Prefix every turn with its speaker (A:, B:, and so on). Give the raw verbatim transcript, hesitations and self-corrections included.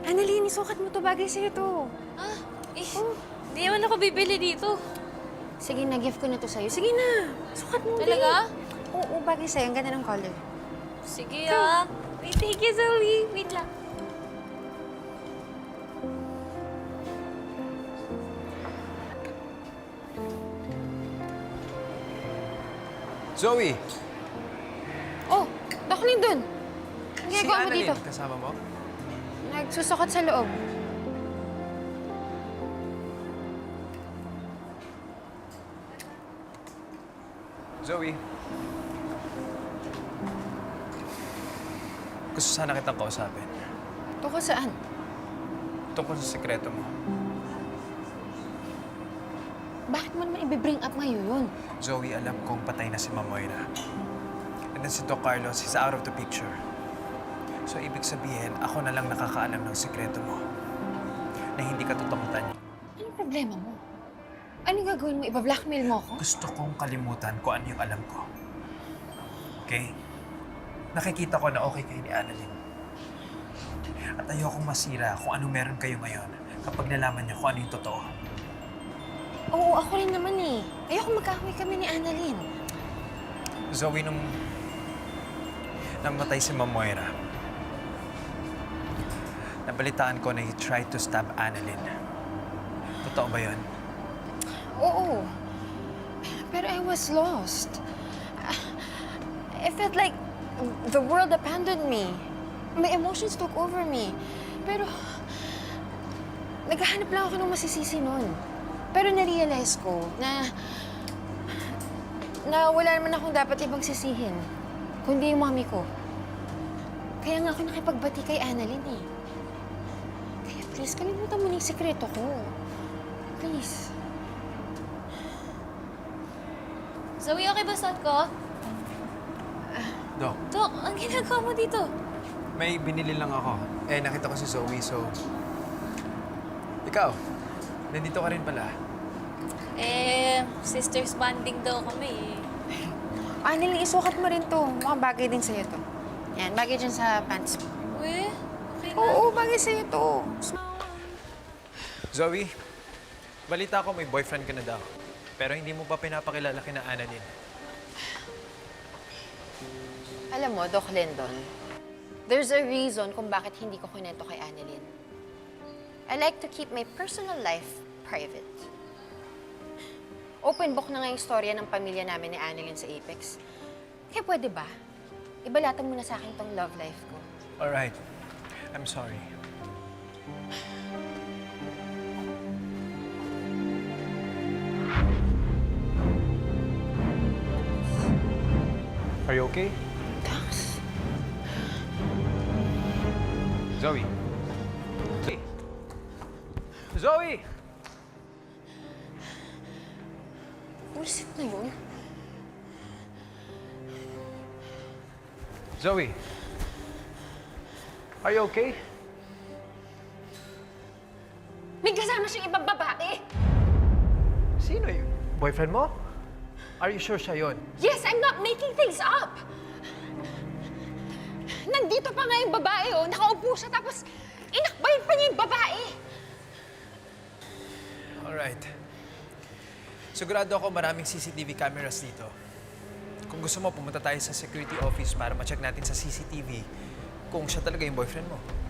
A: Annalyn, isukat mo to. Bagay sa'yo to.
B: Ah, eh,
A: Oh.
B: di naman ako bibili dito.
A: Sige na, gift ko na to sa'yo. Sige na, sukat mo.
B: Talaga?
A: Din. Oo, bagay sa'yo. Ang ganda ng color.
B: Sige ah. Wait, thank you, Zoe. Wait lang.
C: Zoe!
A: Oh, Doc Lindon. Ang
C: Si
A: ginagawa mo
C: Annalyn,
A: dito?
C: kasama mo?
A: Nagsusukat sa loob.
C: Zoe. Gusto sana kitang kausapin.
A: Tungkol saan?
C: Tungkol sa sekreto mo.
A: Bakit mo naman i-bring up ngayon?
C: Zoe, alam kong patay na si Ma'am Moira. And then si Doc Carlos is out of the picture. So, ibig sabihin, ako na lang nakakaalam ng sekreto mo na hindi ka tutakutan.
A: Anong problema mo? Anong gagawin mo? Iba-blackmail mo ako?
C: Gusto kong kalimutan kung ano yung alam ko. Okay? Nakikita ko na okay kayo ni Annalyn. At ayokong masira kung ano meron kayo ngayon kapag nalaman niyo kung ano yung totoo.
A: Oo, ako rin naman eh. Ayoko magkahoy kami ni Annalyn.
C: Zoe, nung namatay si Ma'am Moira, nabalitaan ko na he tried to stab Annalyn. Totoo ba yun?
A: Oo. Pero I was lost. I felt like the world abandoned me. My emotions took over me. Pero naghahanap lang ako ng masisisi nun. Pero na-realize ko na na wala naman akong dapat ibang sisihin, kundi yung mami ko. Kaya nga ako nakipagbati kay Annalyn eh. Kaya please, kalimutan mo na yung sikreto ko. Please.
B: Zoe, okay ba suot ko?
C: Doc,
B: Dok, ang ginagawa mo dito?
C: may binili lang ako. Eh, nakita ko si Zoe, so... Ikaw, nandito ka rin pala.
B: Eh, sisters bonding daw kami eh.
A: Annalyn, isukat mo rin to. Mukhang bagay din sa'yo to. Yan, bagay dyan sa pants mo.
B: Uy, okay na.
A: Oo, bagay sa'yo to.
C: Zoe, balita ko may boyfriend ka na daw. Pero hindi mo pa pinapakilala kina Annalyn.
A: Alam mo, Doc Lindon, there's a reason kung bakit hindi ko kunento kay Annalyn. I like to keep my personal life private. Open book na nga yung storya ng pamilya namin ni Annalyn sa Apex. Kaya pwede ba? Ibalatan mo na sa akin tong love life ko.
C: Alright, I'm sorry. Are you okay?
A: Dax?
C: Zoe. Zoe. Zoe!
A: Bullshit na yun.
C: Zoe. Are you okay?
A: May kasama siyang ibang babae!
C: Sino yun? Boyfriend mo? Are you sure siya yun?
A: Yes, I'm not making things up! Nandito pa nga yung babae, oh. Nakaupo siya, tapos inakbayin pa niya yung babae.
C: Alright. Sigurado ako maraming C C T V cameras dito. Kung gusto mo, pumunta tayo sa security office para ma-check natin sa C C T V kung siya talaga yung boyfriend mo.